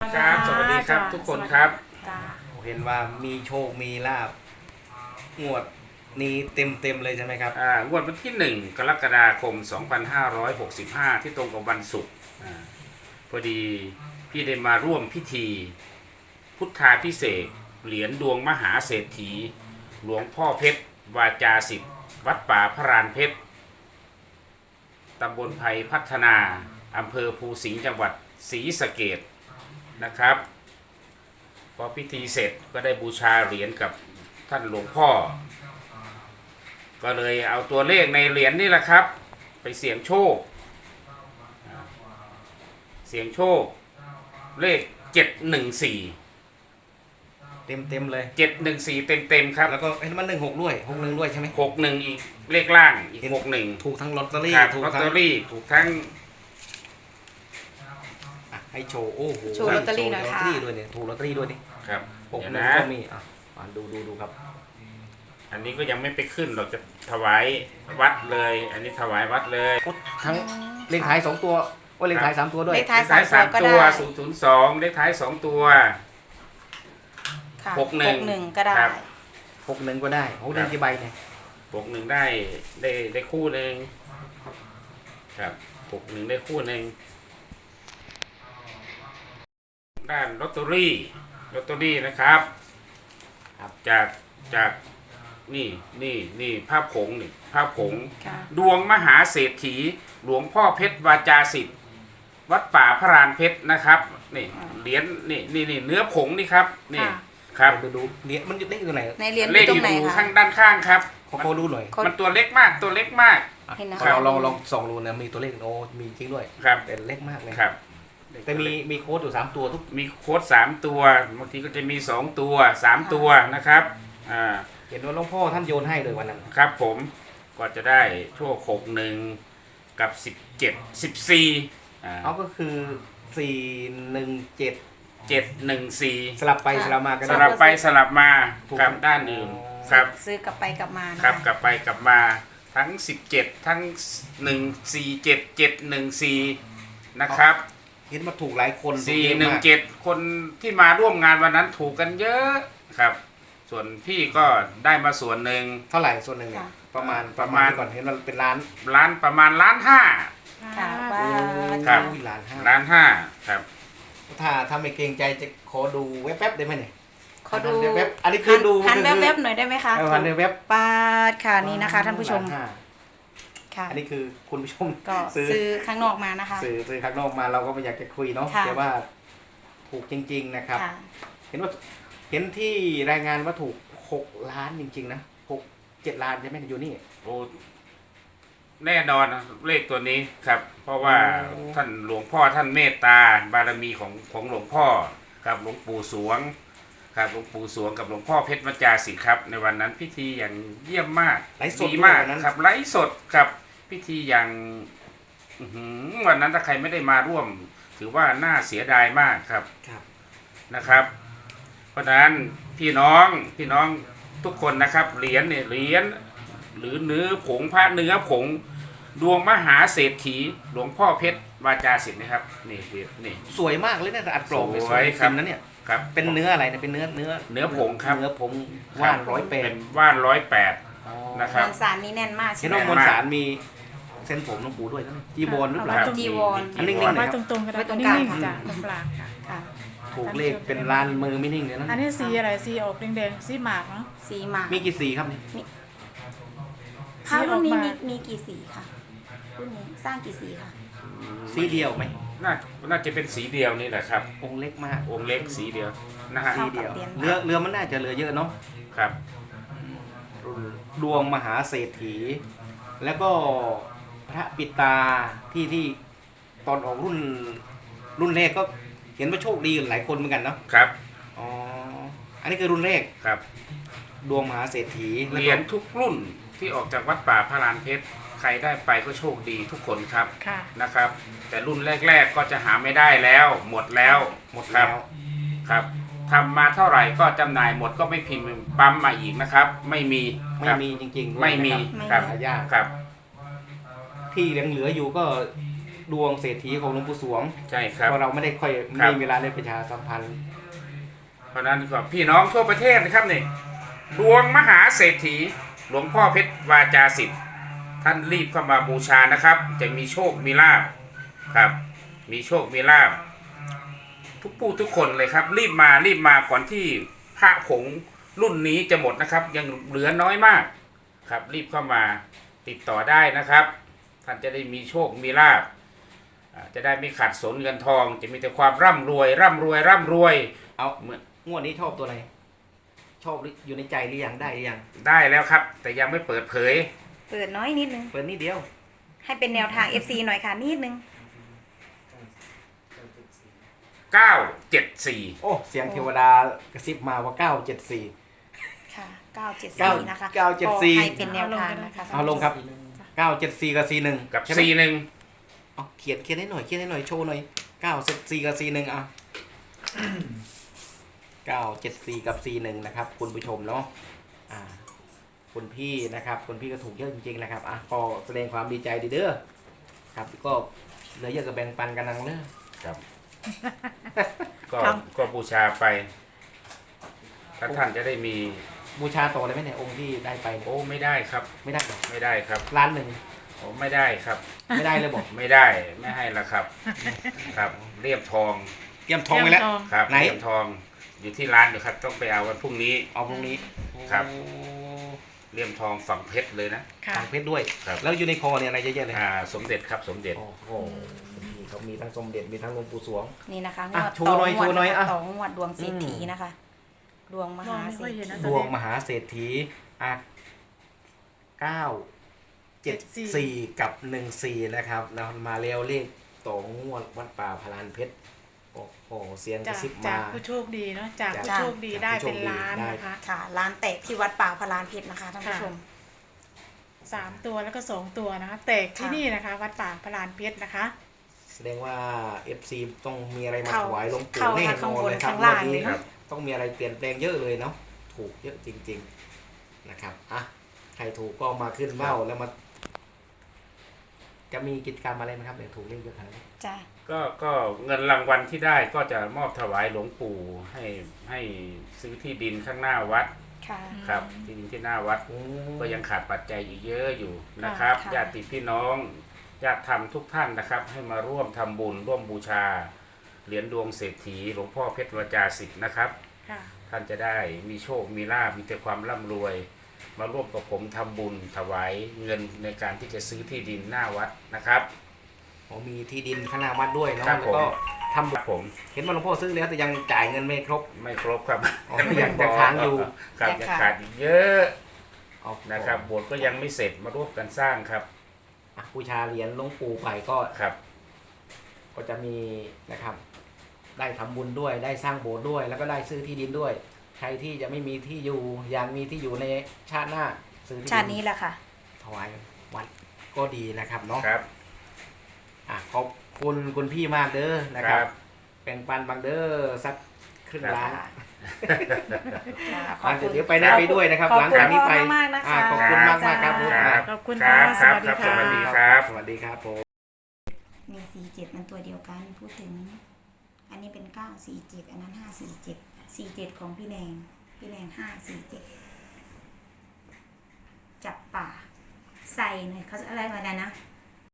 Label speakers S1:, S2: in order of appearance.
S1: ครับสวัสดีครับทุกคนครับ
S2: เห็นว่ามีโชคมีลาบงวดนี้เต็มเลยใช่ไหมครับ
S1: งวดวันที่1กรกฎาคม2565ที่ตรงกับวันศุกร์พอดีพี่ได้มาร่วมพิธีพุทธาภิเษกเหรียญดวงมหาเศรษฐีหลวงพ่อเพชรวาจาสิทธิ์วัดป่าพระรานเพชรตำบลไผ่พัฒนาอำเภอภูสิงห์จังหวัดศรีสะเกษนะครับพอพิธีเสร็จก็ได้บูชาเหรียญกับท่านหลวงพ่อก็เลยเอาตัวเลขในเหรียญนี่แหละครับไปเสี่ยงโชคเลข714
S2: เต็มเลย
S1: 714เต็มครับ
S2: แล้วก็เห็นมัน16ด้วย61ด้วยใช่ไหม
S1: 61อีกเลขล่างอีก61
S2: ถูกทั้งลอตเตอรี่
S1: ถูกลอตเตอรี่ถูกทั้ง
S2: ให้โชว์โอ้โห
S3: โชว์ลอตเตอรี่หน่อยค่ะ
S2: ด้วยเนี่ยถูกลอตเตอรี่ด้วยนี่
S1: ครับ
S2: 61ก็มีดูครับ
S1: อันนี้ก็ยังไม่ไปขึ้นเราจะถวายวัดเลยอันนี้ถวายวัดเลย
S2: ทั้งเลขท้าย2ตัวว่าเลขท้าย3ตัวด้วย
S3: เลขท้าย3ตัว
S1: 002เลขท้าย2ตัว
S3: 61ก็ได้
S2: 61ก็ได้61กี่ใบเนี่ย
S1: 61ได้คู่นึงครับ61ได้คู่นึงด้านลอตเตอรี่นะครับจากนี่ภาพผงดวงมหาเศรษฐีหลวงพ่อเพชรวาจาสิทธิ์วัดป่าพระรานเพชรนะครับนี่เหรียญนี่เนื้อผงนี่ครับนี่ครับ
S2: ดูเหรียญมันอยู่เลขตรงไหน
S3: ในเหรียญ
S1: เลขอยู่ข้างด้านข้างครับ
S2: ขอดูหน่อย
S1: มันตัวเล็กมาก
S3: เห็นนะ
S2: เราลองส่องดูนะมีตัวเลขมีจริงด้วย
S1: ครับ
S2: แต่เล็กมากเลย
S1: ครับ
S2: แต่มีโค้ดอยู่3ตัว
S1: มีโค้ด3ตัวบางทีก็จะมี2ตัว3ตัวนะครับ
S2: เห็นว่าหลวงพ่อท่านโยนให้เลยวันนั้น
S1: ครับผมก็จะได้ชั่ว61กับ17 14
S2: ก็คือ417
S1: 714
S2: สลับไปสลับมากัน
S1: สลับไปสลับมากับด้านอื่นครับ
S3: ซื้อกลับไปกลับมา
S1: ครับกลับไปกลับมาทั้ง17ทั้ง147 714นะครับ
S2: เห็นมาถูกหลายคน
S1: 417คนที่มาร่วมงานวันนั้นถูกกันเยอะครับส่วนพี่ก็ได้มาส่วนหนึ่ง
S2: เท่าไหร่ส่วนหนึ่งประมาณก่อนเห็นมันเป็นล้าน
S1: ประมาณ1.5 ล้าน
S3: ค่ะ
S1: ครับ
S2: 1.5 ล้าน
S1: ครับ
S2: ถ้าไม่เกรงใจจะขอดูแวบๆได้ไหมเนี่ย
S3: ขอดู
S2: แวบอันนี้คือดู
S3: หันแวบๆหน่อยได้ไหมคะ
S2: หันแวบ
S3: ปาดค่ะนี่นะคะท่านผู้ชม
S2: ค่ะอันนี้คือคุณผู้ชม
S3: ก็ซื้อข้างนอกมานะคะ
S2: ซื้อข้างนอกมาเราก็ไม่อยากจะคุยเนาะแต่ว่าถูกจริงๆนะครับเห็นที่รายงานว่าถูก6 ล้านจริงๆนะ7 ล้านใช่ไหมอยู่นี่
S1: โอ้แน่นอนเลขตัวนี้ครับเพราะว่าท่านหลวงพ่อท่านเมตตาบารมีของหลวงพ่อกับหลวงปู่สวงครับหลวงปู่สวงกับหลวงพ่อเพชรวาจาสิทธิ์ครับในวันนั้นพิธีอย่างเยี่ยมมากดีมากครับไลฟ์สดครับพิธีอย่างวันนั้นถ้าใครไม่ได้มาร่วมถือว่าน่าเสียดายมากครับนะครับเพราะฉะนั้นพี่น้องทุกคนนะครับเหรียญหรือเนื้อผงพระเนื้อผงดวงมหาเศรษฐีหลวงพ่อเพชรวาจาสิทธิ์นะครับนี่
S2: สวยมากเลยนะอัดกรอบ
S1: สวยครับ
S2: นะเนี่ยครับเป็นเนื้ออะไรนะเป็นเนื้อผงครับ
S1: เนื้อ
S2: ผงว่าน108
S1: เป็นว่าน108นะครับ
S3: มวลสารนี่แน่นมาก
S2: ใช่ไหมมวลสารมีเส้นผมหลวงปู่ด้วยจีวรหรือเปล่า
S3: จีวร
S2: อันนิ่งๆ
S4: ไว้ตรงๆกัน
S3: ตรงกลาง
S4: จ้ะตรงกลางค่ะ
S2: ถูกเลขเป็นล้านมือไม่นิ่งเลยนะ
S4: อันนี้สีอะไรสีออกแดงๆสีหมากเนาะ
S3: สีหมาก
S2: มีกี่สีครับนี่
S3: พระรุ่นนี้มีกี่สีค่ะรุ่นนี้สร้างกี่สีค่ะ
S2: สีเดียวไหม
S1: น่าจะเป็นสีเดียวนี่แหละครับ
S2: องค์เล็กมาก
S1: องค์เล็กสีเดียวนะฮะ
S2: สีเดียวเรือมันน่าจะเหลือเยอะเนาะ
S1: ครับ
S2: ดวงมหาเศรษฐีแล้วก็พระปิตาที่ตอนออกรุ่นแรกก็เห็นว่าโชคดีหลายคนเหมือนกันเนาะ
S1: ครับ
S2: อ๋ออันนี้คือรุ่นแรก
S1: ครับ
S2: ดวงมหาเศรษฐี
S1: เหรียญทุกรุ่นที่ออกจากวัดป่าพระลานเพชรใครได้ไปก็โชคดีทุกคนครับนะครับ แต่รุ่นแรกๆก็จะหาไม่ได้แล้วหมดแล้วครับทำมาเท่าไหร่ก็จำหน่ายหมดก็ไม่พิมพ์ปั๊มมาอีกนะครับไม่มี
S2: จริงๆ
S1: ไม่มีครับ
S2: ยาก
S1: ครับ
S2: ที่ยังเหลืออยู่ก็ดวงเศรษฐีของหลวงปู่สวง
S1: ใช่ครับ
S2: เพราะเราไม่ได้ค่อย
S1: ครับ
S2: มีเวลาได้ประชาสัมพันธ์
S1: เพราะนั้นก็พี่น้องทั่วประเทศนะครับนี่ดวงมหาเศรษฐีหลวงพ่อเพชรวาจาสิทธิ์ท่านรีบเข้ามาบูชานะครับ จะมีโชคมีลาภครับ มีโชคมีลาภทุกผู้ทุกคนเลยครับ รีบมาก่อนที่พระผงรุ่นนี้จะหมดนะครับ ยังเหลือน้อยมากครับ รีบเข้ามาติดต่อได้นะครับ ท่านจะได้มีโชคมีลาภจะได้ไม่ขาดสนเงินทอง จะมีแต่ความร่ำรวย
S2: เอา
S1: เหมือน
S2: งวดนี้ชอบตัวไหนชอบหรืออยู่ในใจหรือยังได้หรือยัง
S1: ได้แล้วครับ แต่ยังไม่เปิดเผย
S3: เปิดน้อยนิดนึง
S2: เปิดนิดเดียว
S3: ให้เป็นแนวทาง FC หน่อยค่ะนิดนึง
S1: 974
S2: โอ้เสียงเทวดากระซิบมาว่า974
S3: ค่ะ 974 นะคะ
S2: 974
S3: ก็ให้เป็นแนวทางนะคะ
S2: เอาลงครับ974กับ41
S1: กับ
S2: ใช่ไหม
S1: 41
S2: เอาเขียนให้หน่อยโชว์หน่อย974กับ41อ่ะ974กับ41นะครับคุณผู้ชมเนาะคุณพี่นะครับคุณพี่ก็ถูกเยอะจริงๆนะครับก็แสดงความดีใจดีเด้อครับก็เหลือเยอะกับแบ่งปันกันนังเด้อ
S1: ครับ ก็
S4: ครับ
S1: ก็บูชาไปถ้าท่านจะได้มี
S2: บูชาต่อเลยไหมเนี่ยองค์ที่ได้ไป
S1: โอ้ไม่ได้ครับ
S2: ไม่ได้หรอ
S1: ไม่ได้ครับ
S2: ล้านหนึ่ง
S1: โอ้ไม่ได้ครับ
S2: ไม่ได้เลยบอก
S1: ไม่ได้ไม่ให้ละครับ ครับเรียบทอง
S2: เตรียมทองไปแล้ว
S1: ครับ
S2: ไหน
S1: เรียบทองอยู่ที่ร้านอยู่ครับ ต้องไปเอาวันพรุ่งนี้
S2: เอาพรุ่งนี้
S1: ครับ
S2: โอ้
S1: เลี่ยมทองฝั่งเพชรเลยนะ
S4: ค่ะ
S2: ต่างเพชรด้วย
S1: ครับ
S2: แล้วอยู่ในคอเนี่ยอะไรเยอะๆเลย
S1: สมเด็จครับสมเด็จ
S2: โอ้โหนี่เขามีทั้งสมเด็จมีทั้งหลวงปู่สวง
S3: นี่นะคะง
S2: อ่ะ
S3: วด
S2: โชว์หน่อย
S3: ต่องวด
S2: โชว์หน่อย
S3: นะคะ
S2: อ่ะ
S3: ต่องวดดวงเศรษฐีนะคะ ดวงมหาเศรษฐี
S2: ดวงมหาเศรษฐี974กับ14นะครับนะมาเร็วเลขต่องวดวัดป่าพลานเพชรโอ้โหเสียงกระ
S4: จาก
S2: ซิบ
S4: จา
S2: มา
S4: กผู้โชคดีเนาะจากผู้โชคดี
S2: จาก
S4: ได้
S2: ผู้โชค
S4: เป็น
S2: ดี
S4: ล้าน
S2: ได้
S4: นะคะ
S3: ค่ะร้านแตกที่วัดป่าพลานเพชรนะคะท่านผู้ชม
S4: 3 ตัวแล้วก็ 2 ตัวนะคะแตกที่
S3: ค่ะ
S4: นี่นะคะ วัดป่าพลานเพชรนะคะ
S2: แสดงว่า FC ต้องมีอะไรมา
S3: เข้า
S2: ถวายหลวงปู่
S3: เข้า
S2: แน่น
S3: ข้าง
S2: อน
S3: บน
S2: เลยครับ
S3: ข้างล่าง
S2: วันนี้
S3: เลยเนอะ
S2: ต้องมีอะไรเปลี่ยนแปลงเยอะเลยเนาะถูกเยอะจริงๆนะครับใครถูกก็มาขึ้นเบ้าแล้วมา จะมีกิจกรรมอะไรไหมครับเดี๋ยวถูกเรื่องเยอะขนาดนี้
S3: จ้ะ
S1: ก็เงินรางวัลที่ได้ก็จะมอบถวายหลวงปู่ให้ซื้อที่ดินข้างหน้าวัด
S3: ค่ะ
S1: ครับที่ดินที่หน้าวัด ก็ยังขาดปัจจัยอีกเยอะอยู่นะครับ
S3: ค่ะ
S1: ญาติพี่น้องญาติธรรมทุกท่านนะครับ ให้มาร่วมทำบุญร่วมบูชาเหรียญดวงเศรษฐีหลวงพ่อเพชรวาจาสิทธิ์นะครับ
S4: ค่ะ
S1: ท่านจะได้มีโชคมีลาภมีแต่ความร่ำรวย มาร่วมกับผมทำบุญถวายเงินในการที่จะซื้อที่ดินหน้าวัดนะครับ
S2: มีที่ดินข้างหน้าวัดด้วยเนาะ
S1: ครับ
S2: แล้วก็ทำ
S1: ครับผม
S2: เห็นว่าหลวงพ่อซื้อแล้วแต่ยังจ่ายเงินไม่ครบ
S1: ไม่ครบครับ
S2: อ๋อยังจะค้างอยู่
S1: ครับยังขาดอีกเยอะ
S2: เอา
S1: นะครับโบสถ์ก็ยังไม่เสร็จมาร่วมกันสร้างครับ
S2: บูชาเหรียญหลวงปู่ไปก็
S1: ครับ
S2: ก็จะมีนะครับ ได้ทำบุญด้วยได้สร้างโบสถ์ด้วย แล้วก็ได้ซื้อที่ดินด้วย ใครที่จะไม่มีที่อยู่อยากมีที่อยู่ในชาติหน้าซื้อที่
S3: ชาติ
S2: ดิ
S3: นี้แหละค่ะ
S2: ถวายวัดก็ดีนะครับเนาะ
S1: ครับ
S2: ขอบคุณคุณพี่มากเด้อนะ
S1: ค
S2: ครั
S1: รั
S2: บบ แบ่งปันบางเด้อสักครึ่งล้าน
S3: ขอบคุณ
S2: เดี๋ยวไปได้ไปด้วยนะครับ
S3: ขอบ
S2: หลัง
S3: คุณ
S2: จากนี้ไป
S3: พ่อมากๆนะคะ
S2: ขอบคุณมากๆครับผม
S3: จ้า
S4: ขอบคุณ
S1: ครั
S4: ค่ะ
S1: บ
S4: สวัสดี
S1: ครับ
S4: ค่ะ
S1: สวัสดีครับ
S2: สวัสดีครับผม
S3: มี47มันตัวเดียวกันพูดถึง อันนี้เป็น947อันนั้น547 47ของพี่แนง547จับป่าใส่หน่อยเขาอะไรมาได้นะ